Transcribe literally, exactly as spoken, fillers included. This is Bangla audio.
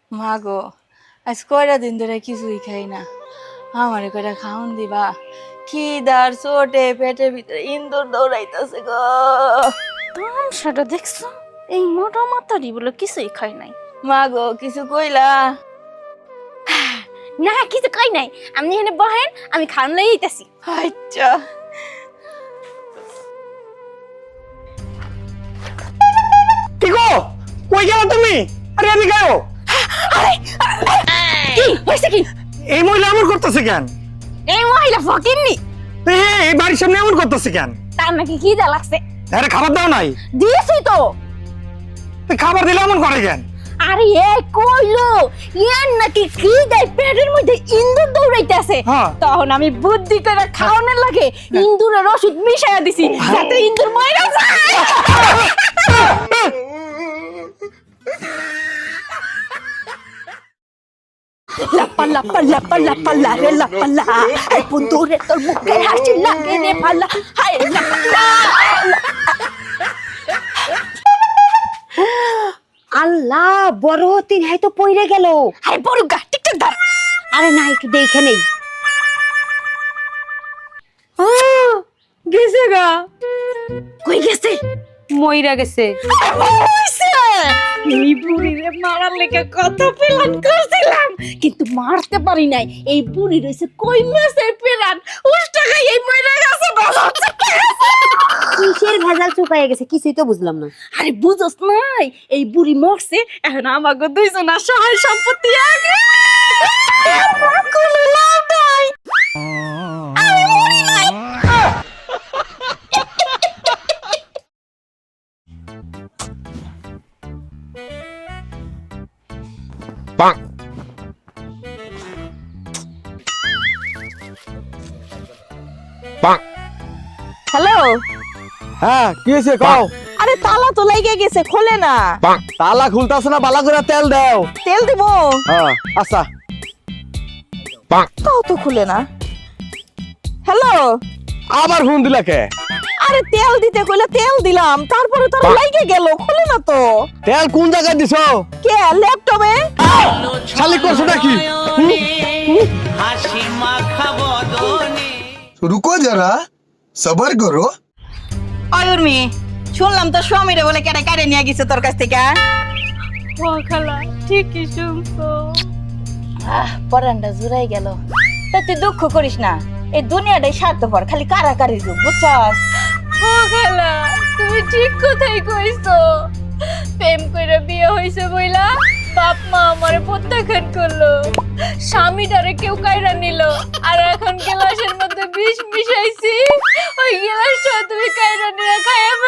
মা গো, আজ কয়টা দিন ধরে কিছুই খাই না। আমারে কয়টা খাওন দিবা। খিদার চোটে পেটের ভিতরে ইন্দুর দৌড়াইতেছে গো। তামসাটা দেখছো, এই মোটা মাথারি বলে কিছুই খাই নাই। মা গো, কিছু কইলা? না কিছু খাই নাই, আপনি এখানে বহেন, আমি খান লই আইতাছি। আচ্ছা। কি গো, কই গেল তুমি? আরে আমি গাও। আরে কি হইছে কি? এই মহিলা এমন করতেছে কেন? এই মহিলা ফকিন্নি, এ, এই বাড়ির সামনে এমন করতেছে কেন? তার নাকি খিদা লাগছে। আরে খাবার দাও নাই? দিয়েছি তো। তো খাবার দিলে এমন করে কেন? আরে এ কইলো ইয়ার নাকি খিদায় পেটের মধ্যে ইন্দুর দৌড়াইতেছে। হ্যাঁ। তখন আমি বুদ্ধি করে খাওয়ানোর লাগে ইন্দুরের ওষুধ মিশাইয়া দিছি যাতে ইন্দুর মইরা যায়। লাপা লাপা লাপা লাপা লারে লাপা লা, আই বন্ধুরে তোর মুখে হাসি লাগে রে পালা, হাই লাপা লা। আল্লাহ, বড় হতিন হাই তো পইরে গেল। হাই বড় গা টিকটক ধর। আরে না, একটু দেখে নেই। গেছে গা। কই গেছে? মইরা গেছে। হইছে এই বুড়িরে মারার লেগে কত প্ল্যান করছিলাম, কিন্তু মারতে পারি নাই। এই বুড়ি রইছে কই মাছের প্ল্যান, উল্টা খাই এই মইরা গেছে বাবা। কিসের ভেজাল চুকাইয়া গেছে কিছুই তো বুঝলাম না। আরে বুঝছ নাই, এই বুড়ি মরছে, এখন আমাকে দুইজনের সহায় সম্পত্তি আগে কোনো লাভ নাই। আরে মরি নাই। হ্যালো। হ্যাঁ কি হয়েছে কও? আরে তালা তো লাইগে গেছে, খোলে না। তালা খুলতাছ না, বালা করে তেল দাও। তেল দিব? হ্যাঁ আচ্ছা। তাও তো খুলে না। হ্যালো। আবার ফোন দিলা কে? আরে তেল দিতে কইলা তেল দিলাম, তারপরে তার লাইগে গেল, খুলে না তো। তেল কোন জায়গায় দিছো? কে ল্যাপটপে? শালি করছো নাকি? रुको जरा सबर करो। অয়ুর্মি, শুনলাম তো স্বামীরে বলে কেটে কেটে নিয়ে গেছে তোর কাছ থেকে। ও খালা ঠিকই শুনছো। আহ, পরানটা জুড়াই গেল। তা তুই দুঃখ করিস না, এই দুনিয়াটাই স্বার্থপর, খালি কারাকারি যুগ, বুঝছস? ও খালা তুমি ঠিক কথাই কইছো। প্রেম কইরা বিয়ে হইছে বইলা বাপ মা আমারে প্রত্যাখ্যান করলো, স্বামীটারে কেউ কাইরা নিল, আর এখন গ্লাসের মধ্যে বিষ মিশাইছি, ওই গ্লাসটা তুমি কাইরা নিয়ে খাইয়া